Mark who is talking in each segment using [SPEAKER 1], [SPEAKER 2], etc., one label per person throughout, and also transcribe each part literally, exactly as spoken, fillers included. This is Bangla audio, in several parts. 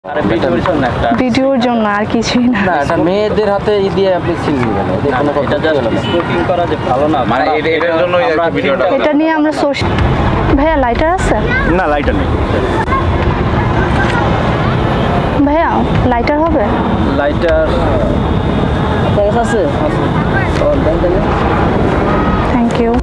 [SPEAKER 1] আরে ভিডিওর জন্য একটা
[SPEAKER 2] ভিডিওর জন্য আর কিছুই না।
[SPEAKER 3] না এটা মেয়েদের হাতে ই দিয়ে আপনি সিল দিবেন এতে কোনো
[SPEAKER 1] এটা
[SPEAKER 3] কথা
[SPEAKER 1] জাস্ট
[SPEAKER 3] হলো না।
[SPEAKER 1] স্মোকিং করা যে ভালো না
[SPEAKER 4] মানে এটা- এটার জন্যই আর কি ভিডিওটা।
[SPEAKER 2] এটা নিয়ে আমরা সোশ্যাল ভাইয়া লাইটার আছে?
[SPEAKER 4] না লাইটার নেই।
[SPEAKER 2] ভাইয়া লাইটার হবে?
[SPEAKER 1] লাইটার আপনার কাছে আছে? আছে ও দেন দেন
[SPEAKER 2] থ্যাংক ইউ।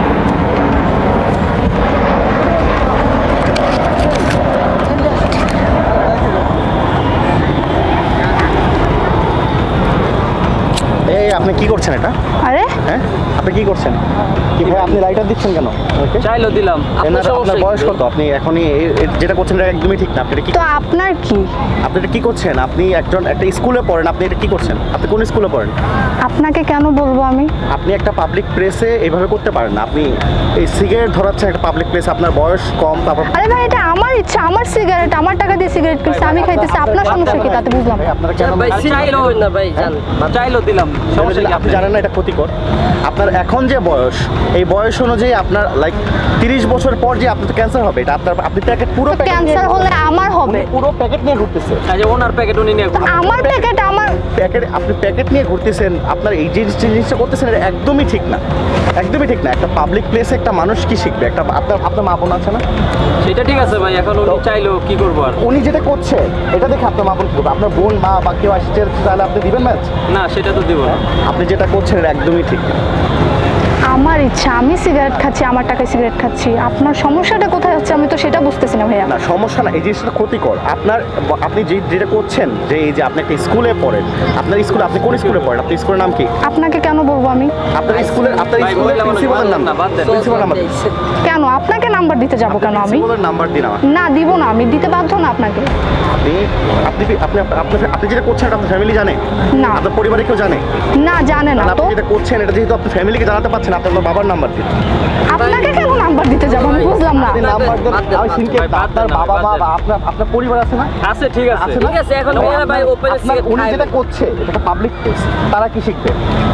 [SPEAKER 4] এই আপনি কি করছেন এটা?
[SPEAKER 2] আরে
[SPEAKER 4] হ্যাঁ আপনি কি করছেন? কি ভাই আপনি লাইটার দিচ্ছেন কেন? ওকে
[SPEAKER 1] চাইলো দিলাম আপনার
[SPEAKER 4] এনার আপনার
[SPEAKER 1] সমস্যা
[SPEAKER 4] বয়স কত? আপনি এখনই এ- এ- যেটা করছেন এটা একদমই ঠিক না। আপনি এটা কি
[SPEAKER 2] তো আপনার কি?
[SPEAKER 4] আপনি এটা কি করছেন? আপনি একজন একটা স্কুলে পড়েন, আপনি এটা কি করছেন? আপনি কোন স্কুলে পড়েন?
[SPEAKER 2] আপনাকে কেন বলবো আমি?
[SPEAKER 4] আপনি একটা পাবলিক প্লেসে এইভাবে করতে পারেন না। আপনি এই সিগারেট ধরাচ্ছেন একটা পাবলিক প্লেসে, আপনার বয়স কম, তারপর
[SPEAKER 2] আরে ভাই এটা আমার ইচ্ছা, আমার সিগারেট, আমার টাকা দিয়ে সিগারেট কিনছি, আমি খাইতেছি, আপনার সমস্যা কি তাতে বুঝলাম
[SPEAKER 4] ভাই
[SPEAKER 2] না।
[SPEAKER 4] আপনারা কেন
[SPEAKER 1] ভাই চাইলো না ভাই জান চাইলো দিলাম সমস্যা কি
[SPEAKER 4] আপনি জানেন না এটা ক্ষতিকর? আপনার এখন যে বয়স, এই বয়স অনুযায়ী আপনার লাইক তিরিশ বছর পর যে আপনার ক্যান্সার হবে, এটা আপনার আপনি প্যাকেট পুরো প্যাকেট
[SPEAKER 2] ক্যান্সার হলে আমার হবে।
[SPEAKER 4] পুরো প্যাকেট নিয়ে ঘুরতেছে।
[SPEAKER 1] আচ্ছা ওনার প্যাকেট উনি নিয়ে
[SPEAKER 2] তো আমার প্যাকেট আমার
[SPEAKER 4] প্যাকেট আপনি প্যাকেট নিয়ে ঘুরতেছেন, আপনার এই যে জিনিসটা করতেছেন এটা একদমই ঠিক না, একদমই ঠিক না। একটা পাবলিক প্লেসে একটা মানুষ কি শিখবে? একটা আপনার আপনার মা বোন আছে না?
[SPEAKER 1] সেটা ঠিক আছে ভাই এখন উনি চাইলো কি করবো আর
[SPEAKER 4] উনি যেটা করছে এটা দেখে আপনার মা বোন কি করবে? আপনার বোন মা বা কেউ আসছে তাহলে আপনি দিবেন ম্যাচ?
[SPEAKER 1] না সেটা তো দিব না
[SPEAKER 4] আপনি যেটা করছেন এটা একদমই ঠিক না।
[SPEAKER 2] আমার ইচ্ছা, আমি সিগারেট খাচ্ছি, আমার টাকায় সিগারেট খাচ্ছি, আপনার সমস্যাটা কোথায় হচ্ছে আমি তো সেটা বুঝতেছি না ভাইয়া।
[SPEAKER 4] না সমস্যা না, এই জিনিসটা ক্ষতিকর। আপনার আপনি যে যেটা করছেন যে এই যে আপনি একটা স্কুলে পড়েন, আপনার স্কুলে আপনি কোন স্কুলে পড়েন? আপনার স্কুলের নাম কি?
[SPEAKER 2] আপনাকে কেন বলবো আমি?
[SPEAKER 4] আপনার স্কুলের আপনার
[SPEAKER 1] ভাই,
[SPEAKER 4] স্কুলের
[SPEAKER 1] বললাম না,
[SPEAKER 4] প্রিন্সিপালের নাম
[SPEAKER 1] না, বাদ দেন।
[SPEAKER 4] প্রিন্সিপাল নাম্বার
[SPEAKER 2] কেন আপনাকে নাম্বার দিতে যাব কেন আমি?
[SPEAKER 4] প্রিন্সিপালের নাম্বার দিন আমার।
[SPEAKER 2] না দিব না, আমি দিতে বাধ্য না আপনাকে।
[SPEAKER 4] আপনি আপনি আপনি আপনি আপনি যেটা করছেন এটা আপনার ফ্যামিলি জানে?
[SPEAKER 2] না।
[SPEAKER 4] আপনার পরিবারে কেউ জানে?
[SPEAKER 2] না জানে না
[SPEAKER 4] তাহলে
[SPEAKER 2] তো।
[SPEAKER 4] আপনি যেটা করছেন এটা যেহেতু আপনার ফ্যামিলিকে জানাতে পারছেন, আপনি আপনার বাবার নাম্বার দিন।
[SPEAKER 2] আপনাকে কেন নাম্বার দিতে যাব আমি বুঝলাম না।
[SPEAKER 4] আপনি নাম্বার দেন,
[SPEAKER 1] বাদ দেন,
[SPEAKER 4] আমি সিনকে
[SPEAKER 1] ভাই, বাদ
[SPEAKER 4] আপনার
[SPEAKER 1] দেন না,
[SPEAKER 4] বাবা
[SPEAKER 1] বাদ
[SPEAKER 4] মা
[SPEAKER 1] দেন।
[SPEAKER 4] বা আপনার আপনার পরিবার আছে না?
[SPEAKER 1] আছে ঠিক আছে
[SPEAKER 4] আছে না?
[SPEAKER 1] ঠিক আছে এখন
[SPEAKER 4] এবং
[SPEAKER 1] ভাইয়া ভাই
[SPEAKER 4] আপনার-
[SPEAKER 1] ওপেন
[SPEAKER 4] আপনার উনি যেটা করছে এটা একটা পাবলিক প্লেস, তারা কি শিখবে?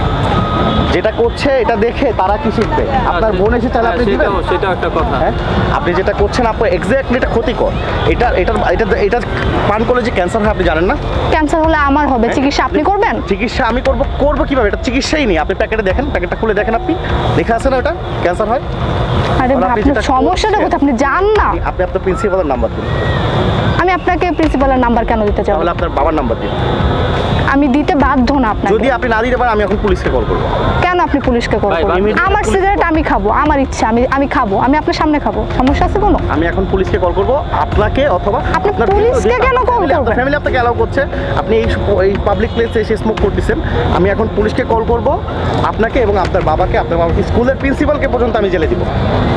[SPEAKER 4] যেটা করছে এটা দেখে তারা কি শিখবে? আপনার বোন এসে তাহলে আপনি দিবেন?
[SPEAKER 1] সেটাও সেটাও একটা কথা
[SPEAKER 4] হ্যাঁ আপনি যেটা করছেন আপনার এক্স্যাক্টলি এটা ক্ষতিকর। এটা এটা এটা এটা পান করলে যে ক্যান্সার হয় আপনি জানেন না?
[SPEAKER 2] ক্যান্সার হলে আমার হবে, চিকিৎসা আপনি করবেন?
[SPEAKER 4] চিকিৎসা আমি করব করব কিভাবে? এটা চিকিৎসাই নেই। আপনি প্যাকেটে দেখেন, প্যাকেটটা খুলে দেখেন, আপনি দেখে আছে না ওটা ক্যান্সার হয়?
[SPEAKER 2] আরে
[SPEAKER 4] তাহলে আপনি
[SPEAKER 2] আপনার
[SPEAKER 4] যেটা
[SPEAKER 2] সমস্যাটা
[SPEAKER 4] করছেন-
[SPEAKER 2] কোথায় আপনি জান না?
[SPEAKER 4] আপনি আপনার প্রিন্সিপালের নাম্বার দিন,
[SPEAKER 2] আমি আপনাকে প্রিন্সিপালের নাম্বার কেন দিতে যাব?
[SPEAKER 4] তাহলে আপনার বাবার নাম্বার দিন।
[SPEAKER 2] আমি দিতে বাধ্য না আপনাকে।
[SPEAKER 4] যদি আপনি না দিতে পারেন আমি এখন পুলিশকে কল করবো।
[SPEAKER 2] কেন আপনি পুলিশকে কল
[SPEAKER 1] ভাই,
[SPEAKER 2] করবেন?
[SPEAKER 4] immediate
[SPEAKER 2] আমার
[SPEAKER 4] পুলিশ
[SPEAKER 2] সিগারেট আমি খাবো, আমার ইচ্ছা, আমি আমি খাবো, আমি আপনার সামনে খাবো, সমস্যা আছে কোনো?
[SPEAKER 4] আমি এখন পুলিশকে কল করবো, আপনাকে অথবা
[SPEAKER 2] আপনি
[SPEAKER 4] আপনার
[SPEAKER 2] পুলিশকে
[SPEAKER 4] যেহেতু
[SPEAKER 2] কেন
[SPEAKER 4] আপনার
[SPEAKER 2] call
[SPEAKER 4] family- আপনার
[SPEAKER 2] করবেন?
[SPEAKER 4] ফ্যামিলি আপনাকে অ্যালাউ করছে, আপনি এই এই পাবলিক প্লেসে এসে স্মোক করতেছেন। আমি এখন পুলিশকে কল করব, আপনাকে এবং আপনার বাবাকে, আপনার বাবাকে স্কুলের প্রিন্সিপালকে পর্যন্ত আমি জেলে দিব।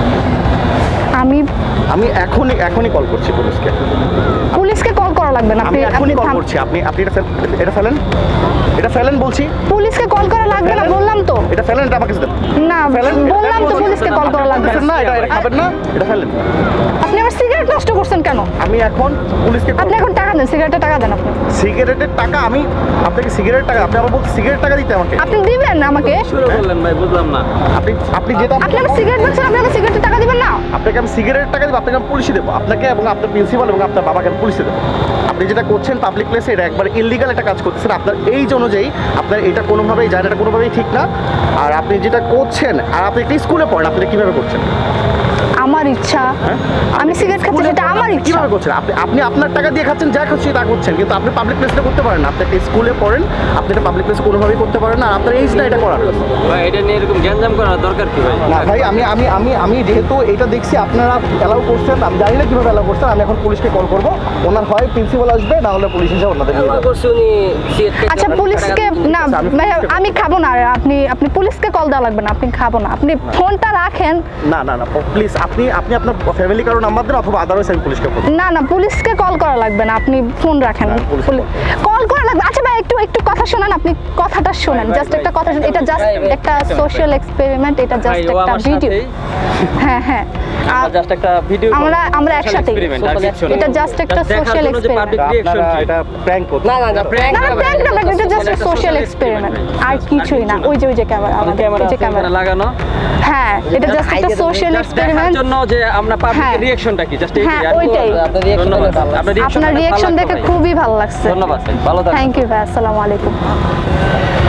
[SPEAKER 2] আমি
[SPEAKER 4] আমি এখনই এখনই কল করছি পুলিশকে।
[SPEAKER 2] পুলিশকে কল করা লাগবে না,
[SPEAKER 4] আমি
[SPEAKER 2] আপনি
[SPEAKER 4] এখনই কল
[SPEAKER 2] থাম-
[SPEAKER 4] করছি। আপনি আপনি এটা ফেল- এটা ফেলেন, এটা ফেলেন বলছি।
[SPEAKER 2] পুলিশকে কল করা লাগবে না
[SPEAKER 4] ফেলেন।
[SPEAKER 2] বললাম তো।
[SPEAKER 4] এটা ফেলেন, এটা আমাকে দেন।
[SPEAKER 2] না
[SPEAKER 4] ফেলেন,
[SPEAKER 2] বললাম তো
[SPEAKER 4] বলছি।
[SPEAKER 2] পুলিশকে কল করা লাগবে
[SPEAKER 4] ফেলেন না, এটা এটা খাবেন না, এটা ফেলেন।
[SPEAKER 2] আপনি আমার সিগারেট নষ্ট করছেন কেন?
[SPEAKER 4] আমি এখন পুলিশকে call
[SPEAKER 2] আপনি এখন টাকা দেন, সিগারেটের টাকা দেন আপনি।
[SPEAKER 4] সিগারেটের টাকা আমি আপনাকে সিগারেট টাকা আপনি আমার বলতে সিগারেট টাকা দিতে আমাকে?
[SPEAKER 2] আপনি দিবেন আমাকে?
[SPEAKER 1] শুরু করলেন ভাই বুঝলাম না
[SPEAKER 4] আপনি আপনি যেটা
[SPEAKER 2] আপনি আমার সিগারেট বেচছেন, আপনি আমাকে সিগারেটের টাকা দিবেন না?
[SPEAKER 4] আপনাকে আমি সিগারেট টাকা দেবো, আপনাকে আমি পুলিশে দেবো, আপনাকে এবং আপনার প্রিন্সিপাল এবং আপনার বাবাকে আমি পুলিশে দেবো। আপনি যেটা করছেন পাবলিক প্লেসে এটা একবার ইললিগাল একটা কাজ করতেছেন। আপনার এইজ অনুযায়ী আপনার এটা কোনোভাবেই যায় না, এটা কোনোভাবেই ঠিক না। আর আপনি যেটা করছেন, আর আপনি একটা স্কুলে পড়েন, আপনি এটা কীভাবে করছেন?
[SPEAKER 2] আমার ইচ্ছা, আমি সিগারেট খাচ্ছি,
[SPEAKER 4] স্কুলে
[SPEAKER 2] সেটা
[SPEAKER 4] পড়েন,
[SPEAKER 2] আমার
[SPEAKER 4] আপনি
[SPEAKER 2] ইচ্ছা।
[SPEAKER 4] কিভাবে করছেন? আপনি আপনি আপনার টাকা দিয়ে খাচ্ছেন, যা খাচ্ছি তা করছেন, কিন্তু আপনি পাবলিক প্লেসে করতে পারেন না। আপনি একটা স্কুলে পড়েন, আপনি এটা পাবলিক প্লেসে কোনোভাবেই করতে পারেন না। আর আপনার এইজ না এটা করার।
[SPEAKER 1] ভাই এটা নিয়ে এরকম গ্যাঞ্জাম করার দরকার কি ভাই
[SPEAKER 4] না ভাই, আমি আমি আমি আমি যেহেতু এটা দেখছি আপনারা অ্যালাউ করছেন, আমি জানি না কীভাবে অ্যালাউ করছেন। আমি এখন পুলিশকে কল করবো, ওনার হয় প্রিন্সিপাল আসবে, না হলে পুলিশ এসে ওনাদের নিয়ে যাবে।
[SPEAKER 2] আচ্ছা পুলিশকে না
[SPEAKER 4] আচ্ছা, আমি
[SPEAKER 2] ভাই
[SPEAKER 4] পুলিশকে-
[SPEAKER 2] আমি খাবো না, আর আপনি আপনি পুলিশকে কল দেওয়া লাগবে না, আপনি খাবো না, আপনি ফোনটা রাখেন।
[SPEAKER 4] না না না প্লিজ, আপনি আপনি আপনার ফ্যামিলি কারো নাম্বার দেন, অথবা আদারওয়াইজ আমি পুলিশকে ফোন।
[SPEAKER 2] না না পুলিশকে কল করা লাগবে না, আপনি ফোন রাখেন।
[SPEAKER 4] না, পুলিশকে
[SPEAKER 2] কল করা লাগবে। আচ্ছা ভাই একটু একটু কথা শোনান, আপনি কথাটা শোনেন,
[SPEAKER 1] ভাই,
[SPEAKER 2] জাস্ট
[SPEAKER 1] ভাই,
[SPEAKER 2] একটা কথা শোনেন। এটা জাস্ট
[SPEAKER 1] ভাই, ভাই,
[SPEAKER 2] একটা
[SPEAKER 1] একটা
[SPEAKER 2] সোশ্যাল এক্সপেরিমেন্ট, এটা
[SPEAKER 1] ভাই
[SPEAKER 2] জাস্ট
[SPEAKER 1] ও
[SPEAKER 2] একটা
[SPEAKER 1] আমার
[SPEAKER 2] ভিডিও।
[SPEAKER 1] সাথেই
[SPEAKER 2] হ্যাঁ হ্যাঁ আ-
[SPEAKER 1] জাস্ট একটা ভিডিও
[SPEAKER 2] আমরা আমরা একসাথে এটা জাস্ট একটা সোশ্যাল এক্সপেরিমেন্ট
[SPEAKER 4] আপনারা এটা প্র্যাঙ্ক করছেন
[SPEAKER 1] না না না প্র্যাঙ্ক
[SPEAKER 2] না প্র্যাঙ্ক না এটা জাস্ট সোশ্যাল এক্সপেরিমেন্ট আর কিছুই না ওই যে ওই যে ক্যামেরা আমাদের
[SPEAKER 1] ক্যামেরা
[SPEAKER 2] এই যে ক্যামেরা
[SPEAKER 1] লাগানো
[SPEAKER 2] হ্যাঁ এটা জাস্ট একটা সোশ্যাল
[SPEAKER 1] দেখার
[SPEAKER 2] এক্সপেরিমেন্ট
[SPEAKER 1] জন্য যে আমরা
[SPEAKER 2] হ্যাঁ।
[SPEAKER 1] পাবলিক রিঅ্যাকশনটা কি জাস্ট
[SPEAKER 2] হ্যাঁ, ওইটাই।
[SPEAKER 1] আপনার রিঅ্যাকশন আপনার
[SPEAKER 2] আপনার রিঅ্যাকশন দেখে খুবই ভালো লাগছে
[SPEAKER 1] ধন্যবাদ ভাই ভালো থাকবেন
[SPEAKER 2] থ্যাংক ইউ ভাই আসসালামু আলাইকুম